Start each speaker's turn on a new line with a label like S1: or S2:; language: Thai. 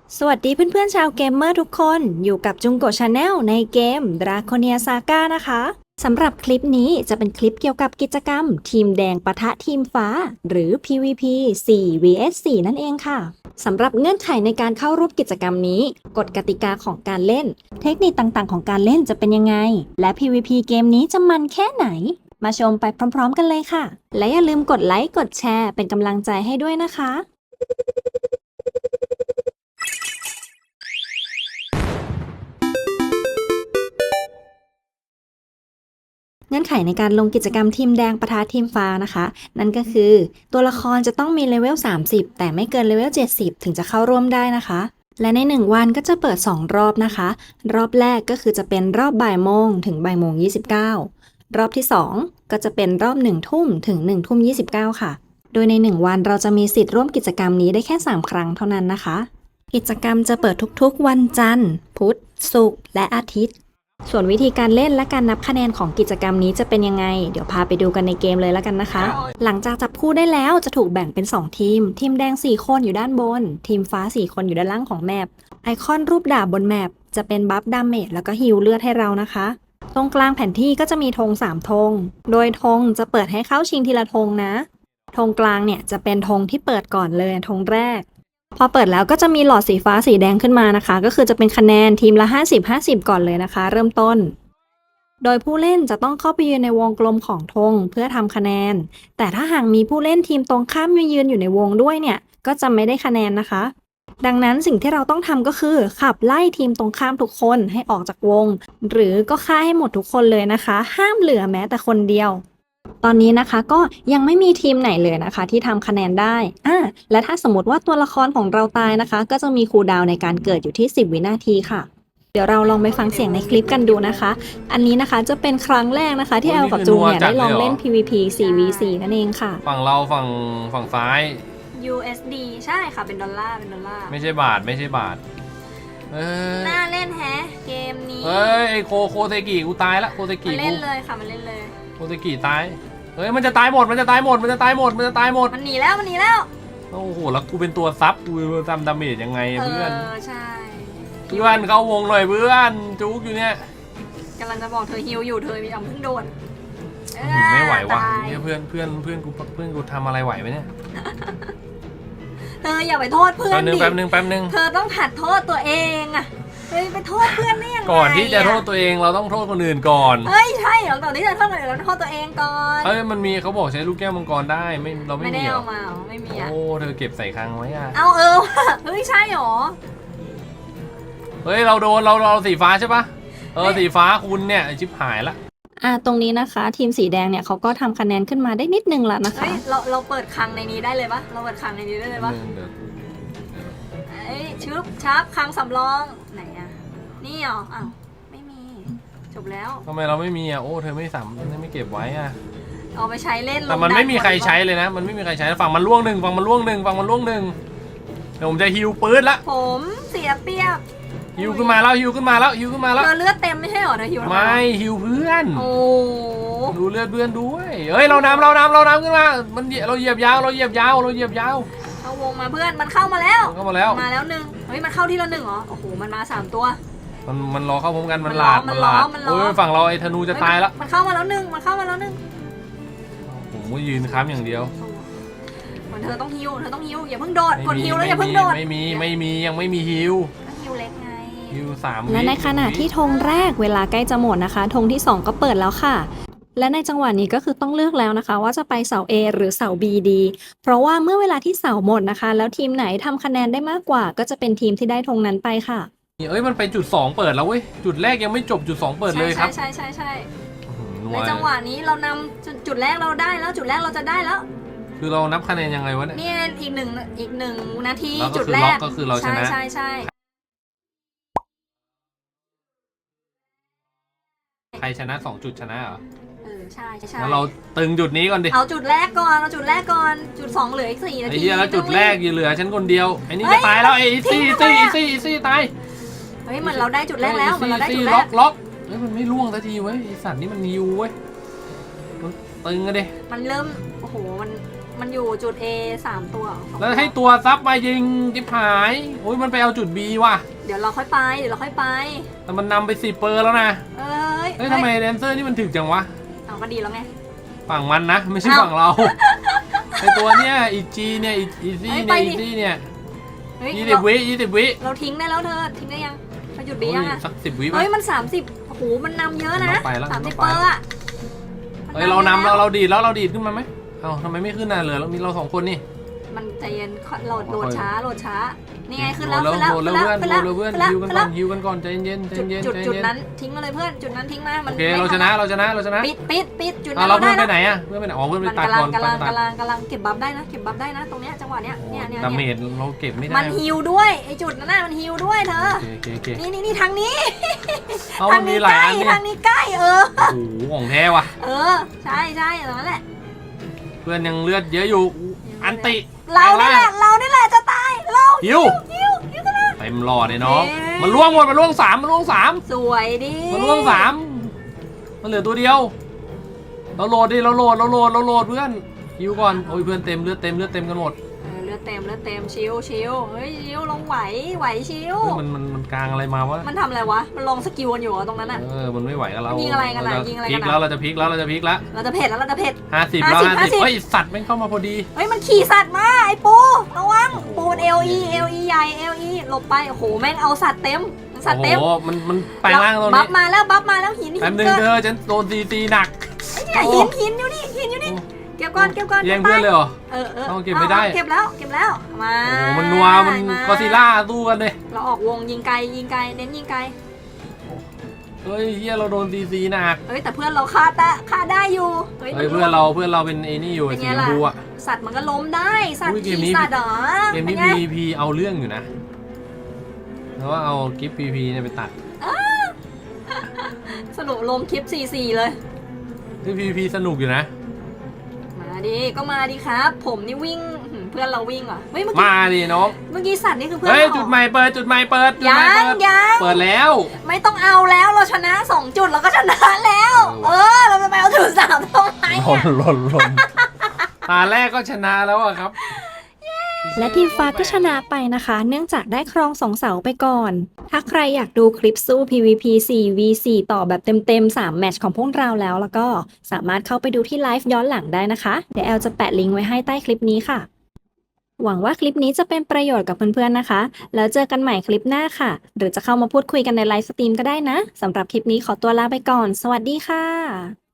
S1: สวัสดีเพื่อนๆชาวเกมเมอร์ทุกคนอยู่กับจุงโกะชาแนลในเกม Draconia Saga นะคะสำหรับคลิปนี้จะเป็นคลิปเกี่ยวกับกิจกรรมทีมแดงปะทะทีมฟ้าหรือ PVP 4 vs 4 นั่นเองค่ะสำหรับเงื่อนไขในการเข้าร่วมกิจกรรมนี้กฎกติกาของการเล่นเทคนิคต่างๆของการเล่นจะเป็นยังไงและ PVP เกมนี้จะมันแค่ไหนมาชมไปพร้อมๆกันเลยค่ะและอย่าลืมกดไลค์กดแชร์เป็นกำลังใจให้ด้วยนะคะเงื่อนไขในการลงกิจกรรมทีมแดงปะทะทีมฟ้านะคะนั่นก็คือตัวละครจะต้องมีเลเวล30แต่ไม่เกินเลเวล70ถึงจะเข้าร่วมได้นะคะและใน1วันก็จะเปิด2รอบนะคะรอบแรกก็คือจะเป็นรอบบ่ายโมงถึงบ่ายโมง29รอบที่2ก็จะเป็นรอบ1ทุ่มถึง1ทุ่ม29ค่ะโดยใน1วันเราจะมีสิทธิ์ร่วมกิจกรรมนี้ได้แค่3ครั้งเท่านั้นนะคะกิจกรรมจะเปิดทุกๆวันจันทร์พุธศุกร์และอาทิตย์ส่วนวิธีการเล่นและการนับคะแนนของกิจกรรมนี้จะเป็นยังไงเดี๋ยวพาไปดูกันในเกมเลยแล้วกันนะคะหลังจากจับคู่ได้แล้วจะถูกแบ่งเป็น2ทีมทีมแดง4คนอยู่ด้านบนทีมฟ้า4คนอยู่ด้านล่างของแมปไอคอนรูปดาบบนแมปจะเป็นบัฟดาเมจแล้วก็ฮีลเลือดให้เรานะคะตรงกลางแผนที่ก็จะมีธง3ธงโดยธงจะเปิดให้เข้าชิงทีละธงนะธงกลางเนี่ยจะเป็นธงที่เปิดก่อนเลยธงแรกพอเปิดแล้วก็จะมีหลอดสีฟ้าสีแดงขึ้นมานะคะก็คือจะเป็นคะแนนทีมละ50-50ก่อนเลยนะคะเริ่มต้นโดยผู้เล่นจะต้องเข้าไปยืนในวงกลมของธงเพื่อทำคะแนนแต่ถ้าหากมีผู้เล่นทีมตรงข้ามมายืนอยู่ในวงด้วยเนี่ยก็จะไม่ได้คะแนนนะคะดังนั้นสิ่งที่เราต้องทำก็คือขับไล่ทีมตรงข้ามทุกคนให้ออกจากวงหรือก็ฆ่าให้หมดทุกคนเลยนะคะห้ามเหลือแม้แต่คนเดียวตอนนี้นะคะก็ยังไม่มีทีมไหนเลยนะคะที่ทำคะแนนได้และถ้าสมมติว่าตัวละครของเราตายนะคะก็จะมีคูลดาวน์ในการเกิดอยู่ที่10 วินาทีค่ะเดี๋ยวเราลองไปฟังเสียงในคลิปกันดูนะคะอันนี้นะคะจะเป็นครั้งแรกนะคะที่แอลกับจูเนี่ยได้ลองเล่น PVP 4v4 นั่นเองค่ะ
S2: ฝั่งเราฝั่งซ้าย
S1: USD ใช่ค่ะเป็นดอลลาร์
S2: ไม่ใช่บาท
S1: น่าเล่นแฮะเกมนี้
S2: เฮ้ยไอโคเซกิกูตายละโคเซกิ
S1: มาเล่นเลยค่ะมาเล่นเลย
S2: โคเซกิตายเฮ้ยมันจะตายหมดมันห
S1: นีแล้ว
S2: โอ้โหแล้วกูเป็นตัวซับกูทำดาเมจยังไงเพื่อน
S1: ใช่
S2: เพื่อนเข้าวงหน่อยเพื่อนจุกอยู่เนี่ย
S1: กำลังจะบอกเธอฮิวอยู่เธอมีเพิ่งโดน
S2: ไม่ไหวว่ะเนี่ยเพื่อนกูทำอะไรไหวไหมเนี่ย
S1: เธออย่าไปโทษเพื่อนดิ
S2: แป๊บนึง
S1: เธอต้องหัดโทษตัวเองอะเฮ้ยไปโทษเพื่อนได้ยังไง
S2: ก่อนที่จะโทษตัวเองเราต้องโทษคนอื่นก่อน
S1: เฮ้ยใช่เหรอก่อนที่จะโทษคนอื่นเราโทษตัวเองก่อน
S2: เฮ้ยมันมีเขาบอกใช้ลูกแก้วมังกรได้เราไม่
S1: ได้
S2: มี
S1: เอามาไม่มีอะ
S2: โอ้เธอเก็บใส่คลังไว้อะ
S1: เอาเฮ้ยใช่หรอ
S2: เฮ้ยเราโดนเราสีฟ้าใช่ปะสีฟ้าคุณเนี่ยชิบหายละ
S1: ตรงนี้นะคะทีมสีแดงเนี่ยเขาก็ทำคะแนนขึ้นมาได้นิดนึงแล้วนะคะเราเปิดคลังในนี้ได้เลยปะเราเปิดคลังในนี้ได้เลยปะชับคลังสำรองไหนอะนี่เหรออ้าวไม่มีจบแล้ว
S2: ทำไมเราไม่มีอ่ะโอ้เธอไม่ไม่เก็บไว้อ่ะ
S1: เอาไปใช้เล่น
S2: แต่มันไม่มีใครใช้เลยนะมันไม่มีใครใช้ฝั่งมันล่วงหนึ่งเดี๋ยวผมจะฮิวปืนละ
S1: ผมเสียเปรียบ
S2: ฮิวขึ้นมาแล้ว
S1: เธอเลือดเต็มไม่ใช่หรอเธอฮิว
S2: ไม่ฮิวเพื่อน
S1: โอ้
S2: ดูเลือดเพื่อนด้วยเฮ้ยเรานำขึ้นมามันเราเหยียบยาว
S1: เข้าวงมาเพื่อนมันเข้ามาแล้ว
S2: มาแล้ว
S1: หนึ่งเฮ้ยมันเข้าที่ละ1เหรอโอ้โหมันมา3ตัว
S2: มันรอเข้าพร้อมกันมันหลาดโอ้ยฝั่งเราไอ้ธนูจะตายแล้ว
S1: มันเข้ามาแล้วหนึ่ง
S2: ผมก็ยืนค้ำอย่างเดียว
S1: เธอต้องฮิวอย่าเพิ่งโดดกดฮิวแล้วอย่าเพิ่งโดด
S2: ไม่มียังไม่มีฮิว
S1: เล็กไง
S2: ฮิว3
S1: และในขณะที่ธงแรกเวลาใกล้จะหมดนะคะธงที่2ก็เปิดแล้วค่ะและในจังหวะนี้ก็คือต้องเลือกแล้วนะคะว่าจะไปเสา A หรือเสา B ดีเพราะว่าเมื่อเวลาที่เสาหมดนะคะแล้วทีมไหนทำคะแนนได้มากกว่าก็จะเป็นทีมที่ได้ธงนั้นไปค่ะ
S2: มันไปจุด2เปิดแล้วเว้ยจุดแรกยังไม่จบจุด2เปิดเลยครับ
S1: ใช่ในจังหวะนี้เรานำจุดแรกเราได้แล้วจุดแรกเราจะได้แล้ว
S2: คือเรานับคะแนนยังไงวะเนี่ย
S1: นี่อีกหนึ่งนาทีจุดแรก
S2: ก็คือเราชนะ
S1: ใช่
S2: ใครชนะ2จุดชนะเหรอ
S1: ใช่
S2: แล้วเราตึงจุดนี้ก่อนดิ
S1: เอาจุดแรกก่อนจุด2เหลืออีก4นาที
S2: ไอ้เหี้ยแล้วจุดแรกยังเหลือฉันคนเดียวไอ้นี่จะตายแล้วไอ้ซี่ตาย
S1: เฮ้ยเหมือนเราได้จุดแรกแล้ว
S2: ล็อกเฮ้ยมันไม่ล่วงสักทีเว้ยไอ้สัตว์นี่มันนิวเว้ยมันตึงอะดิ
S1: มันเริ่มโอ้โหมันมันอยู่จุด A 3 ตัวสอง
S2: แล้วให้ตัวซับมายิงจิบหายโอ้ยมันไปเอาจุด B ว่ะ
S1: เดี๋ยวเราค่อยไปเดี๋ยวเราค่อยไป
S2: แต่มันนำไป10 เปอร์แล้วนะ
S1: เอ้ย
S2: เฮ้ยทำไมแดนเซอร์นี่มันถึกจังวะ
S1: เอาก็ดีแล้วไง
S2: ฝั่งมันนะไม่ใช่
S1: เอ้า
S2: ฝั่งเราไอตัวเนี้ยอีจีเนี่ยอีซี่
S1: เฮ้
S2: เนี่ย
S1: ยไปดิ
S2: อีซี่เนี่ย
S1: เฮ้ย
S2: 20 วิ
S1: เราทิ้งได้แล้วเธอทิ้งได้ยังไปจุด B
S2: โอ้ย
S1: ยังอะ
S2: สัก10 วิไหม
S1: เฮ้ยมัน30โอ้โหมันนำเยอะนะ
S2: มันต้องไปแล้ว
S1: 30
S2: มันต้อง
S1: เป
S2: ไป
S1: อร์อะ
S2: เฮ้ยเรานำเราดีดแล้วเราดีดขึ้นมาไหมเอ้าทำไมไม่ขึ้นน่ะเหลือเรามีเรา2 คนนี่
S1: มันใจเย็นโหลดช้านี่ไงขึ้น
S2: โห
S1: แล้ว
S2: ลด
S1: ขึ้น
S2: แล้
S1: แล้ว
S2: ว
S1: ขึ้น
S2: เพื่อน
S1: แล้ว
S2: โหล
S1: ขึ้
S2: ด
S1: น
S2: แล้ว
S1: แล้ว
S2: เพื่อนฮิวกันก่อนใจเย็นใจเย็น
S1: จุด
S2: ใจเย็น
S1: นั้นทิ้งมาเลยเพื่อนจุดนั้นทิ้งมามัน
S2: โอเคเราชนะเราชนะ
S1: ปิดจุด
S2: อ่ะ
S1: นั้น
S2: เรา
S1: เรา
S2: เพื่
S1: ได้
S2: อนไป
S1: นะ
S2: ไหนอ่ะเพื่อนไปไหนอ๋อเพื่อนไป
S1: มัน
S2: ตัด
S1: กำลั
S2: ก่
S1: ง
S2: อน
S1: กำลัง
S2: ตัด
S1: กำลังเก็บบัฟได้นะเก็บบัฟได้นะตรงเนี้ยจังหวะเนี้ยเนี่ย
S2: ดาเมจเราเก็บไม่ได้
S1: มันฮิวด้วยไอจุดนั้นน่ะมันฮิวด้วยเธอ
S2: โอเค
S1: นี่ทางนี้
S2: เอามันมีหลายอันเนี่ย
S1: ทางนี้ใกล้
S2: โอ้โหของแท้ว่ะ
S1: ใช่ตรงนั้นแหละ
S2: เพื่อนยังเลือดเยอะอยู่อันติ
S1: เรานี่แหละจะตายเรา
S2: ฮิว
S1: กันนะ
S2: เต็มหลอดเลยน้อง
S1: เอ๊ะ
S2: มันล่วงหมดมันล่วงสาม
S1: สวยดิ
S2: มันล่วงสามมันเหลือตัวเดียวเราโหลดดิเราโหลดเพื่อนฮิวก่อนโอ้ยเพื่อนเต็มเลือดเต็มกันหมด
S1: เลือดเต็มชิวเฮ้ยชิวลงไหวชิว
S2: เฮ้ยมันกลางอะไรมาวะ
S1: มันทำอะไรวะมันลงสกิลกันอยู่ตรงนั้นอ่ะ
S2: มันไม่ไหวกับเรา
S1: ยิงอะไรกันอะยิงอะไรกันอะ
S2: พลิกแล้วเราจะพลิกแล้ว
S1: เราจะเผ็ดแล้ว
S2: 50แล้ว50เฮ้ยสัตว์แม่งเข้ามาพอดี
S1: เฮ้ยมันขี่สัตว์มาไอ้ปูระวังปูน LE ใหญ่ LE หลบไปโอ้โหแม่งเอาสัตว์เต็ม
S2: โอ้โหมันแปลงร่างตรง
S1: บั
S2: นี้
S1: ฟมาแล้วหิน
S2: แป๊บนึงเธอฉันโดนตีหนัก
S1: เนี่ยหินอยู่นี่เก็บก่อน
S2: แย่งเพื่อนเลยเหรอ
S1: เอา
S2: เก็บไม่ได้
S1: เก็บแล้วมา
S2: โอ้โหมันนัวมันกอซิล่าสู้กันเลย
S1: เราออกวงยิงไกลเน้นยิงไกล
S2: เฮ้ยเฮียเราโดนตีหนัก
S1: เฮ้ยแต่เพื่อนเราฆ่าได้อยู่
S2: เฮ้ยเพื่อนเราเป็นไอ้นี่อยู่
S1: เป็น
S2: สี
S1: ไง
S2: ชม
S1: ล่ะ
S2: พูอะ
S1: สัตว์มันก็ล้มได้สัตว์
S2: อุ้ยเกม
S1: ขี่
S2: นี้
S1: สัตว์เหรอ
S2: เกมนี้
S1: เป็นไง
S2: PVP เอาเรื่องอยู่นะแล้วว่าเอากิฟต์ PVP เนี่ยไปตัด
S1: สรุปลงคลิป4 เลย
S2: ที่ PVP สนุกอยู่นะ
S1: มาดิครับ ผมนี่วิ่งเพื่อนเราวิ่งเหรอเฮ้ยเมื่อ
S2: มาดิน้อง
S1: กี้สัตว์นี่คือเพื่อน
S2: เฮ้ย
S1: เรา
S2: จุดใหม่เปิด
S1: ยัง
S2: เปิดแล้ว
S1: ไม่ต้องเอาแล้วเราชนะ2 จุดเราก็ชนะแล้ว เราจะไปเอาจุด3ทำไม
S2: หล่นตาแรกก็ชนะแล้วอะครับ
S1: และทีมฟ้าก็ชนะไปนะคะ เนื่องจากได้ครอง2 เสาไปก่อน ถ้าใครอยากดูคลิปสู้ PVP 4v4 ต่อแบบเต็มๆ3 แมตช์ของพวกเราแล้วก็สามารถเข้าไปดูที่ไลฟ์ย้อนหลังได้นะคะ เดี๋ยวแอลจะแปะลิงก์ไว้ให้ใต้คลิปนี้ค่ะ หวังว่าคลิปนี้จะเป็นประโยชน์กับเพื่อนๆนะคะ แล้วเจอกันใหม่คลิปหน้าค่ะ หรือจะเข้ามาพูดคุยกันในไลฟ์สตรีมก็ได้นะสำหรับคลิปนี้ขอตัวลาไปก่อน สวัสดีค่ะ